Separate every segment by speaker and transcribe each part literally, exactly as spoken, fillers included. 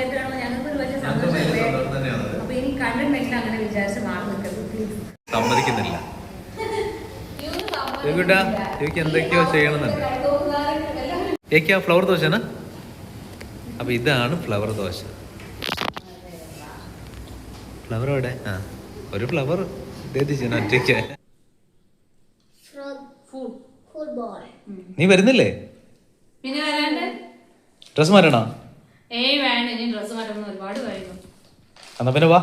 Speaker 1: സമയത്താണോ ഞങ്ങൾക്ക് ഒരു വലിയ സന്തോഷമല്ലേ. അപ്പൊ ഇനി കണ്ടിട്ടുണ്ടെങ്കിൽ അങ്ങനെ വിചാരിച്ച് മാറി നിൽക്കരുത്.
Speaker 2: സമ്മതിക്കുന്നില്ല. എന്തൊക്കെയോ ചെയ്യണമെന്നുണ്ട്. ഏക്കാ ഫ്ലവർ ദോശന. അപ്പൊ ഇതാണ് ഫ്ലവർ ദോശ. ഫ്ലവർ എവിടെ? ആ ഒരു ഫ്ലവർ ഒറ്റയ്ക്ക്. നീ വരുന്നില്ലേ?
Speaker 1: പിന്നെ വരാണ്ട്
Speaker 2: ഡ്രസ് മാറ്റണോ?
Speaker 1: ഏയ് വേണ്ട, ഇനി ഡ്രസ് മാറ്റണം ഒരുപാട് കഴിഞ്ഞു.
Speaker 2: എന്നാ പിന്നെ വാ.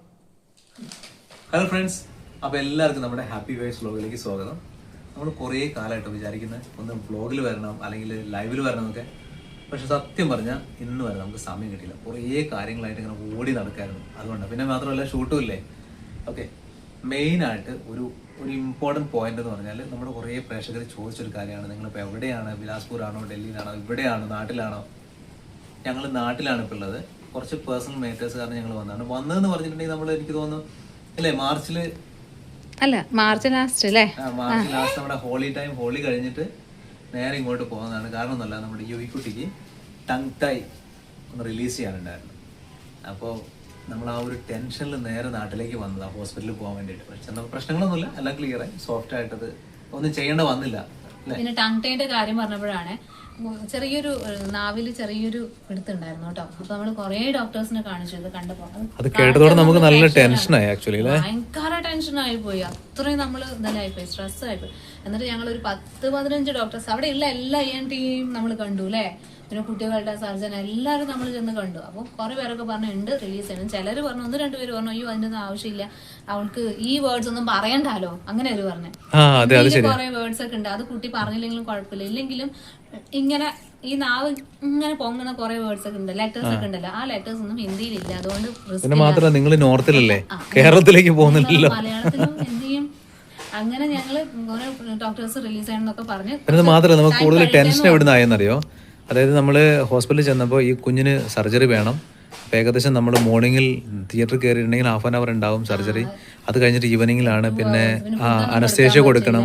Speaker 2: ഹലോ ഫ്രണ്ട്സ്, അപ്പോൾ എല്ലാവർക്കും നമ്മുടെ ഹാപ്പി വൈബ്സ് വ്ലോഗിലേക്ക് സ്വാഗതം. നമ്മൾ കുറേ കാലമായിട്ട് വിചാരിക്കുന്നത് ഒന്ന് വ്ലോഗിൽ വരണം അല്ലെങ്കിൽ ലൈവിൽ വരണം എന്നൊക്കെ. പക്ഷെ സത്യം പറഞ്ഞാൽ ഇന്ന് വരെ നമുക്ക് സമയം കിട്ടിയില്ല. കുറേ കാര്യങ്ങളായിട്ട് ഇങ്ങനെ ഓടി നടക്കായിരുന്നു. അതുകൊണ്ട് പിന്നെ മാത്രമല്ല ഷൂട്ടും ഇല്ലേ. ഓക്കെ, മെയിനായിട്ട് ഒരു ഒരു ഇമ്പോർട്ടൻറ്റ് പോയിന്റ് എന്ന് പറഞ്ഞാൽ നമ്മുടെ കുറേ പ്രേക്ഷകർ ചോദിച്ചൊരു കാര്യമാണ്, നിങ്ങളിപ്പോൾ എവിടെയാണ്? ബിലാസ്പൂർ ആണോ, ഡൽഹിയിലാണോ, ഇവിടെയാണോ, നാട്ടിലാണോ? ഞങ്ങൾ നാട്ടിലാണ് ഇപ്പോൾ ഉള്ളത്. കുറച്ച് പേഴ്സണൽ മേറ്റേഴ്സ് കാരണം ഞങ്ങൾ വന്നതാണ്. വന്നതെന്ന് പറഞ്ഞിട്ടുണ്ടെങ്കിൽ നമ്മൾ എനിക്ക് തോന്നുന്നു അല്ലേ മാർച്ചിൽ
Speaker 1: അല്ല മാർച്ച് ലാസ്റ്റ് അല്ലേ?
Speaker 2: മാർച്ച് ലാസ്റ്റ് നമ്മുടെ ഹോളി ടൈം, ഹോളി കഴിഞ്ഞിട്ട് നേരെ ഇങ്ങോട്ട് പോകുന്നതാണ്. കാരണം ഒന്നല്ല, നമ്മുടെ യുവിക്കുട്ടിക്ക് ടങ് ടൈ ഒന്ന് റിലീസ് ചെയ്യാനുണ്ടായിരുന്നു. അപ്പോൾ നമ്മൾ ആ ഒരു ടെൻഷനിൽ നേരെ നാട്ടിലേക്ക് വന്നതാണ് ഹോസ്പിറ്റലിൽ പോകാൻ വേണ്ടിയിട്ട്. പക്ഷെ നമുക്ക് പ്രശ്നങ്ങളൊന്നുമില്ല, എല്ലാം ക്ലിയർ ആയി, സോഫ്റ്റ് ആയിട്ടത് ഒന്നും ചെയ്യേണ്ട വന്നില്ല.
Speaker 1: പിന്നെ ടങ് ടൈന്റെ കാര്യം പറഞ്ഞപ്പോഴാണ് ചെറിയൊരു നാവില് ചെറിയൊരു പിടുത്തുണ്ടായിരുന്നു കേട്ടോ. അപ്പൊ നമ്മള് കൊറേ ഡോക്ടേഴ്സിനെ കാണിച്ചു. ഇത് കണ്ടപ്പോ
Speaker 2: അത് കേട്ടതോടെ നമുക്ക് നല്ല ടെൻഷനായി. ആക്ച്വലി
Speaker 1: ഭയങ്കര ടെൻഷനായി പോയി. അത്രയും നമ്മള് ഇതെല്ലായി പോയി, സ്ട്രെസ് ആയിപ്പോയി. എന്നിട്ട് ഞങ്ങൾ ഒരു പത്ത് പതിനഞ്ച് ഡോക്ടേഴ്സ് അവിടെ ഉള്ള എല്ലാ ഇ എൻ ടിയും നമ്മൾ കണ്ടു അല്ലേ. പിന്നെ കുട്ടികളുടെ സർജൻ എല്ലാവരും നമ്മൾ ചെന്ന് കണ്ടു. അപ്പോൾ കുറെ പേരൊക്കെ പറഞ്ഞു ഉണ്ട് റിലീസ് ചെയ്യണം. ചിലർ പറഞ്ഞു, ഒന്ന് രണ്ടുപേര് പറഞ്ഞു അയ്യോ അതിൻ്റെ ഒന്നും ആവശ്യമില്ല, അവൾക്ക് ഈ വേർഡ്സ് ഒന്നും പറയണ്ടല്ലോ, അങ്ങനെ അവർ പറഞ്ഞു. കുറെ വേർഡ്സ് ഒക്കെ ഉണ്ട്, അത് കുട്ടി പറഞ്ഞില്ലെങ്കിലും കുഴപ്പമില്ല. ഇല്ലെങ്കിലും ഇങ്ങനെ ഈ നാവ് ഇങ്ങനെ പൊങ്ങുന്ന കുറെ വേർഡ്സ് ഒക്കെ ഉണ്ട്, ലെറ്റേഴ്സ് ഒക്കെ ഉണ്ടല്ലോ, ആ ലെറ്റേഴ്സ് ഒന്നും ഹിന്ദിയിലില്ല. അതുകൊണ്ട്
Speaker 2: മാത്രമല്ല നിങ്ങൾ നോർത്തിലല്ലേ, കേരളത്തിലേക്ക് പോകുന്നില്ലല്ലോ,
Speaker 1: മലയാളത്തിലും ഹിന്ദിയും. അങ്ങനെ ഞങ്ങള് കുറെ ഡോക്ടേഴ്സ് റിലീസ് ചെയ്യണമെന്നൊക്കെ പറഞ്ഞു.
Speaker 2: അത് മാത്രമല്ല നമുക്ക് കൂടുതൽ ടെൻഷൻ എവിടുന്നായെന്നറിയോ? അതായത് നമ്മൾ ഹോസ്പിറ്റലിൽ ചെന്നപ്പോൾ ഈ കുഞ്ഞിന് സർജറി വേണം. അപ്പോൾ ഏകദേശം നമ്മൾ മോർണിംഗിൽ തിയേറ്ററിൽ കയറിയിട്ടുണ്ടെങ്കിൽ ഹാഫ് ആൻ അവർ ഉണ്ടാവും സർജറി. അത് കഴിഞ്ഞിട്ട് ഈവനിങ്ങിലാണ് പിന്നെ അനസ്തേഷ്യ കൊടുക്കണം.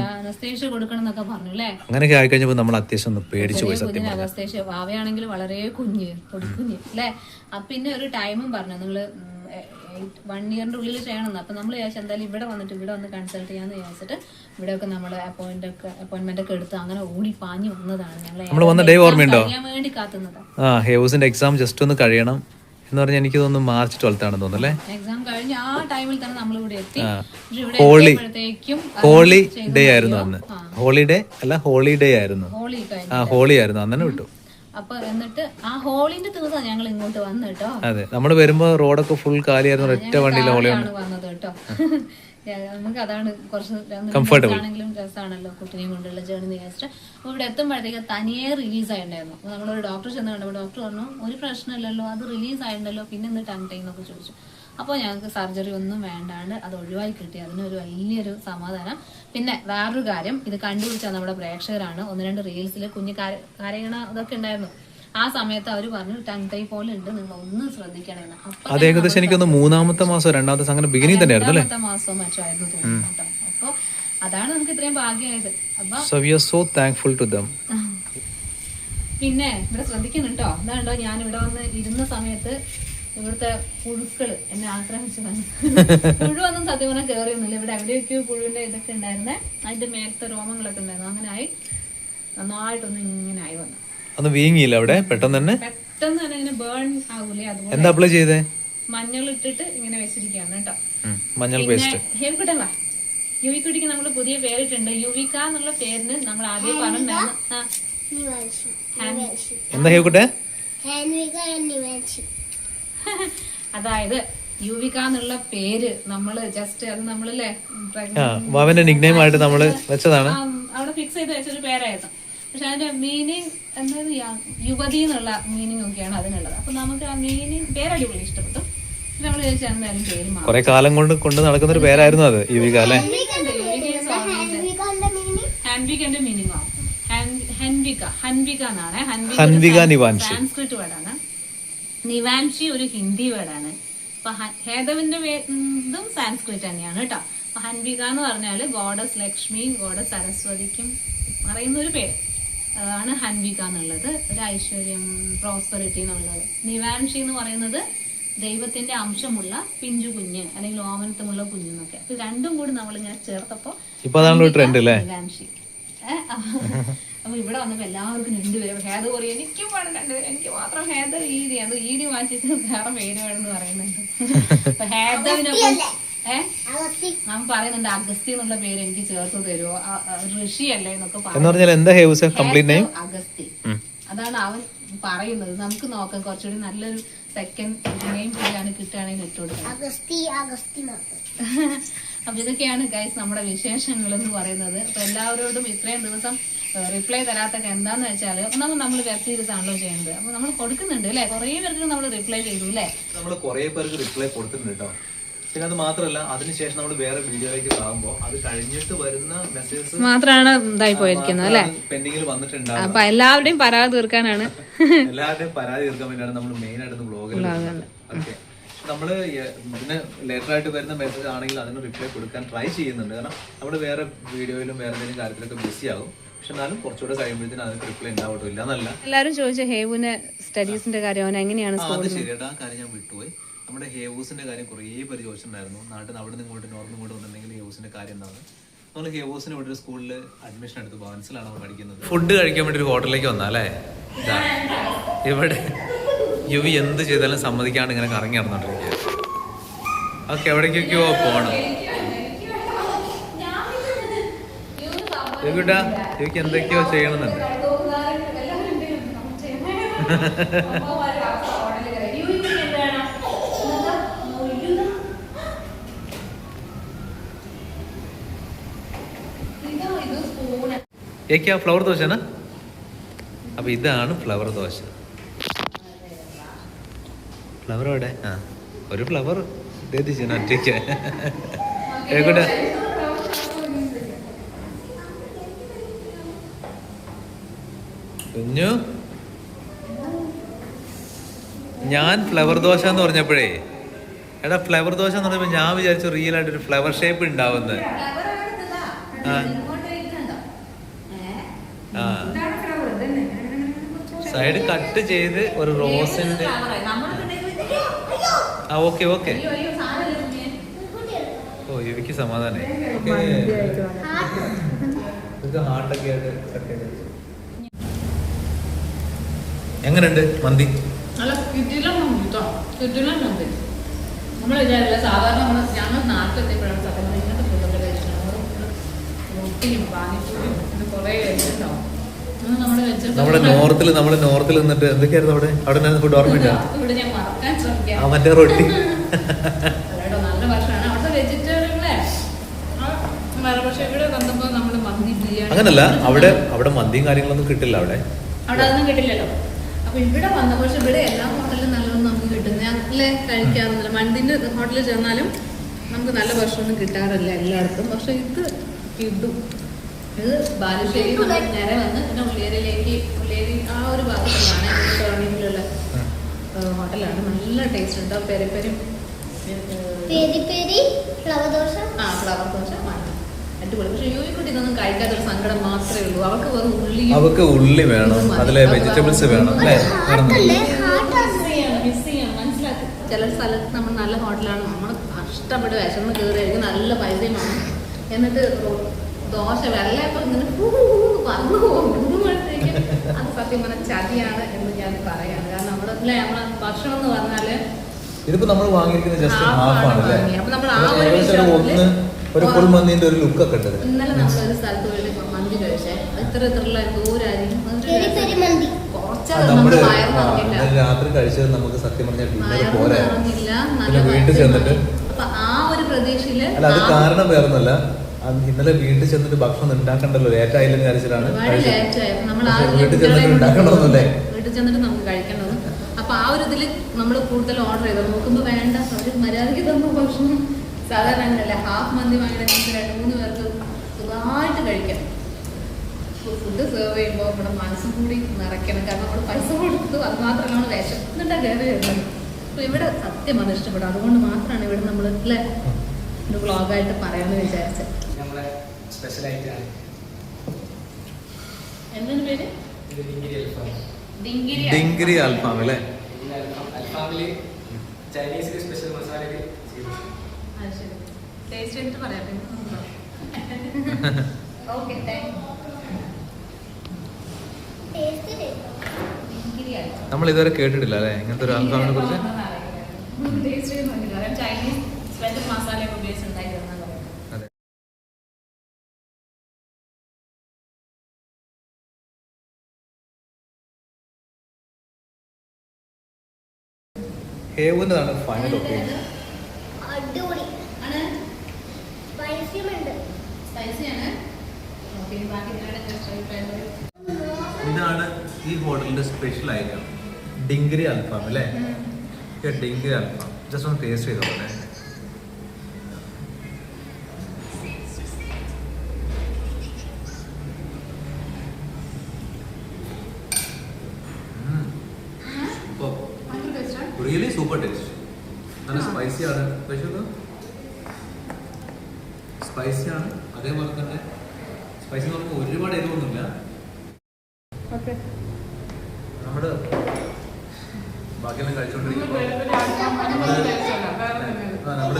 Speaker 2: അങ്ങനെയൊക്കെ ആയിക്കഴിഞ്ഞപ്പോൾ നമ്മൾ അത്യാവശ്യം ഒന്ന് പേടിച്ചു പോയി. സത്യം
Speaker 1: അനസ്തേഷ്യ ഭാവയാണെങ്കിൽ വളരെ കുഞ്ഞ് പൊടിക്കുഞ്ഞ് അല്ലേ. പിന്നെ ഒരു ടൈമും പറഞ്ഞു നിങ്ങള് വൺ ഇയറിന്റെ ഉള്ളിൽ ചെയ്യണമെന്ന്. അപ്പൊ നമ്മൾ വിചാരിച്ചു എന്തായാലും ഇവിടെ വന്നിട്ട് ഇവിടെ വന്ന് കൺസൾട്ട് ചെയ്യാന്ന് വിചാരിച്ചിട്ട് ഇവിടെയൊക്കെ നമ്മള് അപ്പോയിന്റ് ഒക്കെ അപ്പോയിന്റ്മെന്റ് ഒക്കെ എടുത്ത് അങ്ങനെ ഓടി പാഞ്ഞു വന്നതാണ്.
Speaker 2: ഞങ്ങൾ
Speaker 1: വേണ്ടി കാത്തുന്നത്.
Speaker 2: ആ ഹേവ്സിന്റെ എക്സാം ജസ്റ്റ് ഒന്ന് കഴിയണം എന്ന് പറഞ്ഞാൽ എനിക്ക് തോന്നുന്നു മാർച്ച് ട്വൽത്ത് ആണെന്ന് തോന്നുന്നു അല്ലേ.
Speaker 1: എക്സാം കഴിഞ്ഞ് ആ ടൈമിൽ തന്നെ നമ്മൾ ഇവിടെ എത്തി.
Speaker 2: ഹോളി ഹോളി ഡേ ആയിരുന്നു അന്ന്. ഹോളിഡേ അല്ല ഹോളിഡേ ആയിരുന്നു.
Speaker 1: ഹോളി
Speaker 2: ആ ഹോളി ആയിരുന്നു അന്നെ വിട്ടു.
Speaker 1: അപ്പൊ എന്നിട്ട് ആ ഹോളിന്റെ ദിവസം ഞങ്ങൾ ഇങ്ങോട്ട് വന്നു കേട്ടോ.
Speaker 2: അതെ, നമ്മൾ വരുമ്പോ റോഡൊക്കെ ഫുൾ കാലിയായിരുന്നു. ഒറ്റ വണ്ടിയിലെ ഹോളിയാണ്
Speaker 1: വന്നത് കേട്ടോ. നമുക്ക് അതാണ് കുറച്ച് ആണെങ്കിലും രസമാണല്ലോ കുട്ടിനെയും കൊണ്ടുള്ള ജേർണി വിചാരിച്ചിട്ട്. അപ്പൊ ഇവിടെ എത്തുമ്പോഴത്തേക്ക് തനിയെ റിലീസ് ആയിട്ടുണ്ടായിരുന്നു. അപ്പൊ നമ്മളൊരു ഡോക്ടർ ചെന്ന് കണ്ടപ്പോൾ ഡോക്ടർ പറഞ്ഞു ഒരു പ്രശ്നമില്ലല്ലോ, അത് റിലീസ് ആയിട്ടുണ്ടല്ലോ, പിന്നെ എന്ത് ടങ് ടൈം എന്നൊക്കെ ചോദിച്ചു. അപ്പോൾ ഞങ്ങൾക്ക് സർജറി ഒന്നും വേണ്ടാണ്ട് അത് ഒഴിവായി കിട്ടി. അതിനൊരു വലിയൊരു സമാധാനം. പിന്നെ വേറൊരു കാര്യം, ഇത് കണ്ടുപിടിച്ചാൽ നമ്മുടെ പ്രേക്ഷകരാണ്. ഒന്ന് രണ്ട് റീൽസിൽ കുഞ്ഞ് കരയണ ഇതൊക്കെ ഉണ്ടായിരുന്നു. ആ സമയത്ത് അവർ പറഞ്ഞു ടങ് ടൈ പോലെ ഉണ്ട്, നിങ്ങൾ ഒന്ന് ശ്രദ്ധിക്കണമെന്ന്.
Speaker 2: അത് ഏകദേശം എനിക്കൊന്ന് മൂന്നാമത്തെ മാസം രണ്ടാമത്തെ അങ്ങനെ ബിഗിനിങ് തന്നെയായിരുന്നു അല്ലേ,
Speaker 1: രണ്ടാമത്തെ മാസം മറ്റോ ആയിരുന്നു തോന്നുന്നു കേട്ടോ. അപ്പൊ അതാണ് നമുക്ക് ഇത്രയും ഭാഗ്യമായത്. അപ്പൊ
Speaker 2: so we are so thankful to them.
Speaker 1: പിന്നെ ഇവിടെ ശ്രദ്ധിക്കുന്നുണ്ടോ, എന്താണ്ടോ ഞാൻ ഇവിടെ വന്ന് ഇരുന്ന സമയത്ത് ഇവിടുത്തെ പുഴുക്കള് എന്നെ ആക്രമിച്ചതാണ്. പുഴുവൊന്നും സത്യം പറഞ്ഞാൽ കയറിയൊന്നുമില്ല. ഇവിടെ എവിടെയൊക്കെയോ പുഴുവിന്റെ ഇതൊക്കെ ഉണ്ടായിരുന്നേ, അതിന്റെ മേലത്തെ രോമങ്ങളൊക്കെ ഉണ്ടായിരുന്നു. അങ്ങനെ ആയി നന്നായിട്ടൊന്നും ഇങ്ങനെ ആയി വന്നു.
Speaker 2: ഒന്ന് വീങ്ങിയില്ല അവിടെ പെട്ടെന്ന് തന്നെ?
Speaker 1: പെട്ടെന്ന് തന്നെ ഇങ്ങനെ ബേൺ ആവൂലേ, അതുപോലെ.
Speaker 2: എന്താ അപ്ലൈ ചെയ്തേ?
Speaker 1: മഞ്ഞൾ ഇട്ടിട്ട് ഇങ്ങനെ വെച്ചിരിക്കുകയാണ് കേട്ടോ.
Speaker 2: മഞ്ഞൾ പേസ്റ്റ്.
Speaker 1: ഹേവിക്കുട്ടൻ വാ, യുവിക്കുട്ടിക്ക് നമ്മൾ പുതിയ പേരിട്ടുണ്ട്. യുവിക എന്നുള്ള പേരിന് നമ്മൾ ആദ്യം പറഞ്ഞിട്ടുണ്ടായിരുന്നു.
Speaker 2: എന്താ ഹേവിക്കുട്ടെ?
Speaker 1: അതായത് യുവിക എന്നുള്ള പേര് നമ്മള് ജസ്റ്റ് അത് നമ്മളല്ലേ
Speaker 2: വാവന്റെ നിക്നെയിം ആയിട്ട് നമ്മള് വെച്ചതാണ്.
Speaker 1: അവിടെ ഫിക്സ് ചെയ്ത് വെച്ചൊരു പേരായിരുന്നു. പക്ഷെ അതിന്റെ മീനിങ് എന്തായത് യുവതി എന്നുള്ള മീനിങ് ഒക്കെയാണ് അതിനുള്ളത്. അപ്പൊ നമുക്ക് ആ മീനിങ് പേരടിപൊളി ഇഷ്ടപ്പെട്ടു. നമ്മൾ ചോദിച്ചാൽ എന്തായാലും പേര് മാറും.
Speaker 2: കുറെ കാലം കൊണ്ട് കൊണ്ട് നടക്കുന്ന ഒരു പേരായിരുന്നു അത് യുവിക അല്ലെ.
Speaker 1: ഹാൻവികന്റെ മീനിങ് ആവും ഹൻവിക. ഹൻവിക എന്നാണ്.
Speaker 2: ഹൻവിക നിവാൻഷി
Speaker 1: സാൻസ്ക്രിറ്റ് വേർഡാണ്. നിവാൻഷി ഒരു ഹിന്ദി വേർഡാണ്. അപ്പൊ ഹേതവിന്റെ ഇതും സാൻസ്ക്രിറ്റ് തന്നെയാണ് കേട്ടോ. അപ്പൊ ഹൻവിക എന്ന് പറഞ്ഞാല് ഗോഡസ് ലക്ഷ്മി, ഗോഡസ് സരസ്വതിക്കും പറയുന്ന ഒരു പേര്. ആണ് ഹൻവിക എന്നുള്ളത്. ഒരു ഐശ്വര്യം, പ്രോസ്പെറിറ്റി എന്നുള്ളത്. നിവാൻഷി എന്ന് പറയുന്നത് ദൈവത്തിന്റെ അംശമുള്ള പിഞ്ചു കുഞ്ഞ് അല്ലെങ്കിൽ ഓമനത്തമുള്ള കുഞ്ഞെന്നൊക്കെ. അപ്പൊ രണ്ടും കൂടി നമ്മൾ ഇങ്ങനെ ചേർത്തപ്പോ നിവാൻഷി. അപ്പൊ ഇവിടെ വന്നപ്പോ എല്ലാവർക്കും രണ്ടുപേരും ഹേദ പറയും എനിക്കും വേണം രണ്ടുപേരും, എനിക്ക് മാത്രം ഹേദ ഈഡി, അത് ഈഡി മാറ്റിട്ട് വേറെ പേര് വേണമെന്ന് പറയുന്നുണ്ട്. അപ്പൊ ഹേദവിനൊപ്പം ഏഹ് ഞാൻ പറയുന്നുണ്ട് അഗസ്തി എന്നുള്ള പേര് എനിക്ക് ചേർത്ത് തരുമോ, ഋഷി അല്ലേ എന്നൊക്കെ പറയുന്നത്. അഗസ്തി അതാണ് അവൻ പറയുന്നത്. നമുക്ക് നോക്കാം കുറച്ചുകൂടി നല്ലൊരു സെക്കൻഡ് നെയിം പേരാണ് കിട്ടുകയാണെങ്കിൽ ഇട്ട് കൊടുക്കാം. അപ്പൊ ഇതൊക്കെയാണ് ഗൈസ് നമ്മുടെ വിശേഷങ്ങൾ എന്ന് പറയുന്നത്. അപ്പൊ എല്ലാവരോടും ഇത്രയും ദിവസം റിപ്ലൈ തരാത്തൊക്കെ എന്താന്ന് വെച്ചാൽ ഒന്നാമത് നമ്മൾ വെബ് സീരീസ് ആണല്ലോ ചെയ്യുന്നത്. അപ്പൊ നമ്മൾ കൊടുക്കുന്നുണ്ട് അല്ലെ, കുറെ പേർക്ക് നമ്മൾ റിപ്ലൈ ചെയ്തു അല്ലെ,
Speaker 2: നമ്മൾ കുറെ പേർക്ക് റിപ്ലൈ കൊടുത്തിട്ടുണ്ട് കേട്ടോ. പിന്നെ അത് മാത്രമല്ല, അതിനുശേഷം നമ്മൾ വേറെ വീഡിയോയിലേക്ക് ആകുമ്പോൾ അത് കഴിഞ്ഞിട്ട് വരുന്ന മെസ്സേജസ് മാത്രമാണ് ഇതായി പോയിരിക്കുന്നത് അല്ലെ, പെൻഡിങ്ങിൽ വന്നിട്ടുണ്ടാവും.
Speaker 1: അപ്പൊ എല്ലാവരുടെയും പരാതി തീർക്കാനാണ്
Speaker 2: എല്ലാവരുടെയും പരാതി തീർക്കാൻ വേണ്ടിയാണ് നമ്മൾ മെയിൻ ആയിട്ട് ബ്ലോഗിൽ. ഓക്കെ, നമ്മള് ഇതിന് ലേറ്റർ ആയിട്ട് വരുന്ന മെസ്സേജ് ആണെങ്കിൽ അതിന് റിപ്ലൈ കൊടുക്കാൻ ട്രൈ ചെയ്യുന്നുണ്ട്. കാരണം നമ്മൾ വേറെ വീഡിയോയിലും വേറെ എന്തെങ്കിലും കാര്യത്തിലൊക്കെ ബിസി ആകും. പക്ഷെ എന്നാലും കുറച്ചുകൂടെ കഴിയുമ്പോഴത്തേനും അതിന് റിപ്ലൈ ഉണ്ടാവട്ടോ, ഇല്ല എന്നല്ല.
Speaker 1: എല്ലാവരും ചോദിച്ച ഹേവുവിന്റെ സ്റ്റഡീസിന്റെ കാര്യം അവൻ എങ്ങനെയാണ്?
Speaker 2: അത് ശരിയായിട്ട് ആ കാര്യം ഞാൻ വിട്ടുപോയി. നമ്മുടെ ഹേവൂസിന്റെ കാര്യം കുറേ പേര് ചോദിച്ചിട്ടുണ്ടായിരുന്നു. നാട്ടിൽ നിന്ന് അവിടെ നിന്ന് ഇങ്ങോട്ട് നോർത്ത് ഇങ്ങോട്ട് വന്നിട്ടുണ്ടെങ്കിൽ ഹേവൂസിന്റെ കാര്യം എന്താണ്. നമ്മൾ ഹേവൂസിന് ഇവിടെ ഒരു സ്കൂളിൽ അഡ്മിഷൻ എടുത്ത് ബാൻസിലാണ് അവർ പഠിക്കുന്നത്. ഫുഡ് കഴിക്കാൻ വേണ്ടി ഒരു ഹോട്ടലിലേക്ക് വന്നാലേ ഇവിടെ യുവി എന്ത് ചെയ്താലും സമ്മതിക്കാണ്ട് ഇങ്ങനെ കറങ്ങി നടന്നോണ്ടിരിക്കുക. ഓക്കെ, എവിടേക്കൊക്കെയോ പോണം. യുവിട്ടാ യുവിക്ക് എന്തൊക്കെയോ ചെയ്യണമെന്നുണ്ട്. ഏക്കാ ഫ്ലവർ ദോശ. അപ്പൊ ഇതാണ് ഫ്ലവർ ദോശ. ഫ്ലവർ എവിടെ? ആ, ഒരു ഫ്ലവർ ഒറ്റയ്ക്ക്. ഏക്കോട്ടെ കുഞ്ഞു, ഞാൻ ഫ്ലവർ ദോശ എന്ന് പറഞ്ഞപ്പോഴേ എടാ ഫ്ലവർ ദോശ എന്ന് പറഞ്ഞപ്പോ ഞാൻ വിചാരിച്ചു റിയൽ ആയിട്ട് ഒരു ഫ്ലവർ ഷേപ്പ് ഉണ്ടാവുന്നത്. ആ സൈഡ് കട്ട് ചെയ്ത് ഒരു റോസിന്റെ. ആ ഓക്കെ ഓക്കെ. ഓ യുവിക്ക് സമാധാനായി. ഹാർട്ടൊക്കെ ആയിട്ട് കട്ട് ചെയ്ത്. എങ്ങനെയുണ്ട് മന്തി?
Speaker 1: നമ്മൾ വിചാരില്ല സാധാരണ നമ്മൾ ഞങ്ങൾ നാട്ടിലെത്തിയപ്പോഴാണ് സത്യം ഇങ്ങനത്തെ ഫുഡൊക്കെ കഴിച്ചിട്ടുണ്ടാവും. റൊട്ടിയും പാനിപ്പൂരിയും പിന്നെ കുറേ കഴിച്ചിട്ടുണ്ടാവും.
Speaker 2: നമ്മുടെ നോർത്തിൽ നമ്മള് നോർത്തിൽ നിന്നിട്ട് എന്തൊക്കെയായിരുന്നു അവിടെ അവിടെ ഫുഡ് ഓർമ്മയില്ല.
Speaker 1: ഇവിടെ ഞാൻ മറക്കാൻ ശ്രമിക്കാം.
Speaker 2: മറ്റേ റൊട്ടി
Speaker 1: നല്ല ഭക്ഷണമാണ് അവിടുത്തെ വെജിറ്റേറിയൻ. പക്ഷെ ഇവിടെ വന്നപ്പോ നമ്മള് മന്തി ബിരിയാണി
Speaker 2: അങ്ങനല്ല, അവിടെ അവിടെ മന്തിയും കാര്യങ്ങളൊന്നും കിട്ടില്ല. അവിടെ
Speaker 1: അവിടെ അതൊന്നും കിട്ടില്ലല്ലോ. അപ്പൊ ഇവിടെ വന്നപ്പോ പക്ഷെ ഇവിടെ എല്ലാ ഹോട്ടലിലും നല്ലതൊന്നും നമുക്ക് കിട്ടും. ഞങ്ങളെ കഴിക്കാറുന്നില്ല. മന്തിന്റെ ഹോട്ടലിൽ ചെന്നാലും നമുക്ക് നല്ല ഭക്ഷണമൊന്നും കിട്ടാറില്ല എല്ലായിടത്തും. പക്ഷെ ഇത് കിട്ടും. ഇത് ബാലുശ്ശേരി നമ്മൾ നേരെ വന്ന് പിന്നെ ഉള്ളിയേരിയിലേക്ക് ഉള്ളിയേരി ആ ഒരു ഭാഗത്തുള്ളതാണ് ടേണിങ്ങിലുള്ള ഹോട്ടലാണ്. നല്ല ടേസ്റ്റ് ഉണ്ട്. പെരി പെരി ഫ്ലവർ ദോശ ആ ഫ്ലവർ ദോശ അടിപൊളി. പക്ഷെ യൂയിക്കുട്ടി ഇതൊന്നും കഴിക്കാത്തൊരു സങ്കടം മാത്രമേ ഉള്ളൂ. അവൾക്ക് വെറും ഉള്ളി അവൾക്ക് ഉള്ളി വേണം, അതിലെ വെജിറ്റബിൾസ് വേണം. മിസ് ചെയ്യാം, മനസ്സിലാക്കി. ചില സ്ഥലത്ത് നമ്മൾ നല്ല ഹോട്ടലാണ്, നമ്മൾ കഷ്ടപ്പെട്ട് വിശന്ന് കയറിയായിരിക്കും, നല്ല പൈസയും വേണം. എന്നിട്ട് ദോശ വെള്ളയപ്പം ഇങ്ങനെ വന്നു പോകുമ്പോഴത്തേക്ക് അത് സത്യം പറഞ്ഞാൽ ചതിയാണ് എന്ന് ഞാൻ പറയാണ്. കാരണം നമ്മുടെ അല്ലേ നമ്മളെ ഭക്ഷണം എന്ന് പറഞ്ഞാല്
Speaker 2: ഇതിപ്പോ നമ്മൾ വാങ്ങിയിരിക്കുന്നത് ജസ്റ്റ് ഹാഫ് ആണ് അല്ലേ.
Speaker 1: അപ്പൊ നമ്മൾ ആ ഒരു വിഷയത്തില്
Speaker 2: ഒരു ഫുൾ മന്തിന്റെ ഒരു ലുക്ക് ഒക്കെ ഉണ്ട്.
Speaker 1: ഇന്നലെ നമ്മളൊരു സ്ഥലത്ത് പോയി മന്തി കഴിച്ചേ, ഇത്ര ഇത്രയുള്ള ദൂരായിരിക്കും
Speaker 2: രാത്രി കഴിച്ചത് നമുക്ക് സത്യം പറഞ്ഞാൽ ഡിന്നർ പോരാ. വീട്ടിൽ ചെന്നിട്ട്
Speaker 1: അപ്പൊ ആ ഒരു പ്രതീക്ഷയില്
Speaker 2: അല്ല, അത് കാരണം വേറൊന്നുമല്ല, ഇന്നലെ വീട്ടിൽ ചെന്നിട്ട് ഭക്ഷണം ഉണ്ടാക്കണ്ടല്ലോ, ലേറ്റ് ആയില്ലെന്ന് വിചാരിച്ചിട്ടാണ്. വീട്ടിൽ ചെന്നിട്ട് ഉണ്ടാക്കണമെന്നല്ലേ,
Speaker 1: വീട്ടിൽ ചെന്നിട്ട് നമുക്ക് കഴിക്കേണ്ടത്. അപ്പൊ ആ ഒരു ഇതില് നമ്മൾ കൂടുതൽ ഓർഡർ ചെയ്തത് നോക്കുമ്പോ വേണ്ട ഒരു മര്യാദയ്ക്ക് തന്നു ഭക്ഷണം. സാധാരണ അങ്ങനെയല്ല, ഹാഫ് മന്തി വാങ്ങിയിട്ട് രണ്ട് മൂന്ന് പേർക്ക് സുഖമായിട്ട് കഴിക്കാം. ഫുഡ് സെർവ് ചെയ്യുമ്പോൾ നമ്മുടെ മനസ്സും കൂടി നിറയ്ക്കണം. കാരണം നമ്മൾ പൈസ കൊടുത്ത് അത് മാത്രമല്ല നമ്മൾ വിശന്നിട്ടാണ് കയറി വരുന്നത്. അപ്പൊ ഇവിടെ സത്യം അത് ഇഷ്ടപ്പെടും. അതുകൊണ്ട് മാത്രമാണ് ഇവിടെ നമ്മൾ അല്ലേ ഒരു വ്ളോഗായിട്ട് പറയാമെന്ന് വിചാരിച്ചത്.
Speaker 3: സ്പെഷ്യലായിട്ടാണ്
Speaker 1: എന്തിനു പേര്
Speaker 2: ഡിങ്കിരി അൽഫാം അല്ലേ?
Speaker 3: അൽഫാമില് ചൈനീസ് സ്പെഷ്യൽ മസാലയിൽ
Speaker 1: ടേസ്റ്റ് ചെയ്തിട്ട് പറയാം. ഓക്കെ
Speaker 2: നമ്മൾ ഇതുവരെ കേട്ടിട്ടില്ല അല്ലേ ഇങ്ങനത്തെ ഒരു അൽഫാമിനെ കുറിച്ച്?
Speaker 1: ടേസ്റ്റ് ചെയ്യുന്നുണ്ട്. ചൈനീസ് സ്പെഷ്യൽ മസാലയൊക്കെ ഉപയോഗിച്ച് ഉണ്ടാക്കിയതെന്നാണ് പറയുന്നത്.
Speaker 2: അതെ. ഹേവുന്നതാണ് ഫൈനൽ ഒപ്പീനിയൻ.
Speaker 4: അടിപൊളി
Speaker 1: ആണ്
Speaker 4: സ്പൈസിയുമുണ്ട്.
Speaker 1: സ്പൈസിയാണ്. ഓക്കെ ബാക്കി ഇതിനാണ് ജസ്റ്റ് ആയിട്ട്
Speaker 2: ഇതാണ് ഈ ഹോട്ടലിന്റെ സ്പെഷ്യൽ ഐറ്റം ഡിങ്കിരി അൽഫാം അല്ലേ? ഡിങ്കിരി അൽഫാം ജസ്റ്റ് ഒന്ന് ടേസ്റ്റ് ചെയ്തോളെ. Really super taste. നല്ല സ്പൈസിയാണ്. പക്ഷേ സ്പൈസിയാണ് അതേപോലെ തന്നെ സ്പൈസി എന്ന് പറയുമ്പോൾ ഒരുപാട് എരിവൊന്നുമില്ല. നമ്മുടെ ബാക്കിയെല്ലാം കഴിച്ചോണ്ടിരിക്കുമ്പോൾ നമ്മള്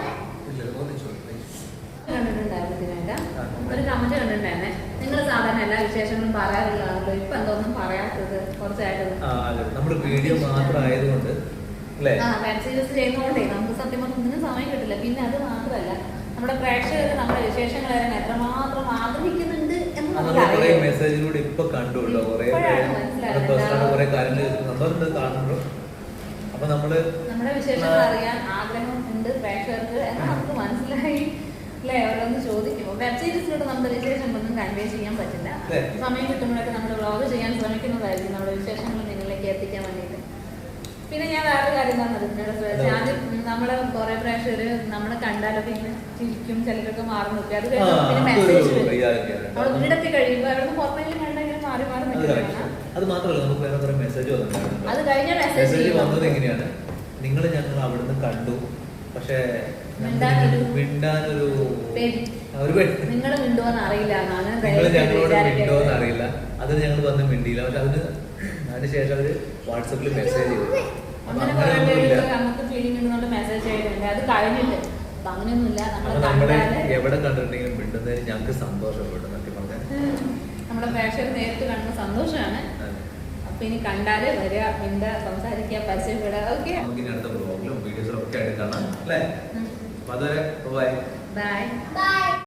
Speaker 1: കണ്ടിട്ടുണ്ടായിരുന്നതിനായിട്ട് ഒരു കമന്റ് കണ്ടിട്ടുണ്ടായിരുന്നേ. നിങ്ങൾ സാധാരണ എല്ലാ വിശേഷങ്ങളും പറയാറുള്ളതാണല്ലോ, ഇപ്പൊ എന്തോന്നും പറയാത്തത് കുറച്ചായിട്ട്?
Speaker 2: നമ്മുടെ വീഡിയോ മാത്രം ആയതുകൊണ്ട് അല്ലേ?
Speaker 1: ആ വെബ് സീരീസ് ചെയ്യുന്നതുകൊണ്ടേ നമുക്ക് സത്യം പറഞ്ഞാൽ ഒന്നിനും സമയം കിട്ടില്ല. പിന്നെ അത് മാത്രമല്ല നമ്മുടെ പ്രേക്ഷകർ നമ്മുടെ വിശേഷങ്ങൾ അറിയാൻ എത്രമാത്രം ആഗ്രഹിക്കുന്നുണ്ട് എന്ന് നമുക്ക് അറിയാം.
Speaker 2: മെസ്സേജിലൂടെ ഇപ്പൊ കണ്ടുള്ളൂ കുറെ കുറെ കാര്യങ്ങൾ സന്തോഷം കാണുന്നുള്ളൂ. അപ്പൊ നമ്മള്
Speaker 1: നമ്മുടെ വിശേഷങ്ങൾ അറിയാൻ ആഗ്രഹം ഉണ്ട് പ്രേക്ഷകർക്ക് എന്ന് നമുക്ക് മനസ്സിലായി അല്ലേ? ഓരോന്ന് ചോദിക്കുമ്പോൾ വെബ് സീരീസിലൂടെ നമ്മുടെ വിശേഷം ഒന്നും കൺവേ ചെയ്യാൻ പറ്റില്ല. സമയം കിട്ടുമ്പോഴൊക്കെ നമ്മൾ വ്ളോഗ് ചെയ്യാൻ ശ്രമിക്കുന്നതായിരിക്കും നമ്മുടെ വിശേഷങ്ങൾ നിങ്ങളിലേക്ക് എത്തിക്കാൻ വേണ്ടിയിട്ട്. പിന്നെ ഞാൻ വേറെ കാര്യം പറഞ്ഞത് ഇതിനോട് ആദ്യം നമ്മളെ കുറെ പ്രേക്ഷകര് നമ്മളെ കണ്ടാലൊക്കെ ഇങ്ങനെ ചിരിക്കും, ചിലരൊക്കെ മാറി നിൽക്കും. അത് കഴിഞ്ഞ് പിന്നെ മെസ്സേജ് വരും. നമ്മൾ വീടൊക്കെ കഴിയുമ്പോൾ അവിടെ നിന്ന് പുറത്തേക്ക് കണ്ടെങ്കിലും മാറി മാറി നിൽക്കുകയാണ്.
Speaker 2: അത് മാത്രമല്ല നമുക്ക് വേറെ കുറെ മെസ്സേജ് വന്നിട്ടുണ്ട്.
Speaker 1: അത് കഴിഞ്ഞ
Speaker 2: മെസ്സേജ് വന്നത് എങ്ങനെയാണ്? നിങ്ങൾ ഞങ്ങൾ അവിടുന്ന് കണ്ടു, പക്ഷേ മിണ്ടാനൊരു
Speaker 1: നിങ്ങൾ മിണ്ടുവെന്ന് അറിയില്ല,
Speaker 2: നിങ്ങൾ ഞങ്ങളോട് മിണ്ടുവെന്ന് അറിയില്ല. അത് ഞങ്ങൾ വന്ന് മിണ്ടിയില്ല. പക്ഷെ അതിന് അതിനുശേഷം അവര് വാട്സപ്പിൽ മെസ്സേജ് ചെയ്തു.
Speaker 1: അങ്ങനെ കുറെ പേര് അങ്ങനത്തെ ഫീലിംഗ് ഉണ്ടെന്നുകൊണ്ട് മെസ്സേജ് ചെയ്യുന്നുണ്ട്. അത് കഴിഞ്ഞിട്ട് അങ്ങനെയൊന്നുമില്ല.
Speaker 2: നമ്മളെ എവിടെ കണ്ടിട്ടുണ്ടെങ്കിലും മിണ്ടുന്നതിന് ഞങ്ങൾക്ക് സന്തോഷപ്പെട്ടു. സത്യം പറഞ്ഞാൽ
Speaker 1: നമ്മുടെ പ്രേക്ഷകർ നേരിട്ട് കാണുന്ന സന്തോഷമാണ്. അപ്പൊ ഇനി കണ്ടാല് വരിക, മിണ്ട, സംസാരിക്കുക, പരിചയപ്പെടുക. ഓക്കെ,
Speaker 2: നമുക്ക് ഇനി അടുത്ത ബ്ലോഗിലും വീഡിയോസിലും ഒക്കെ ആയിട്ട് കാണാം അല്ലേ? അപ്പൊ അതുവരെ ബൈ
Speaker 1: ബൈ.
Speaker 4: ബൈ.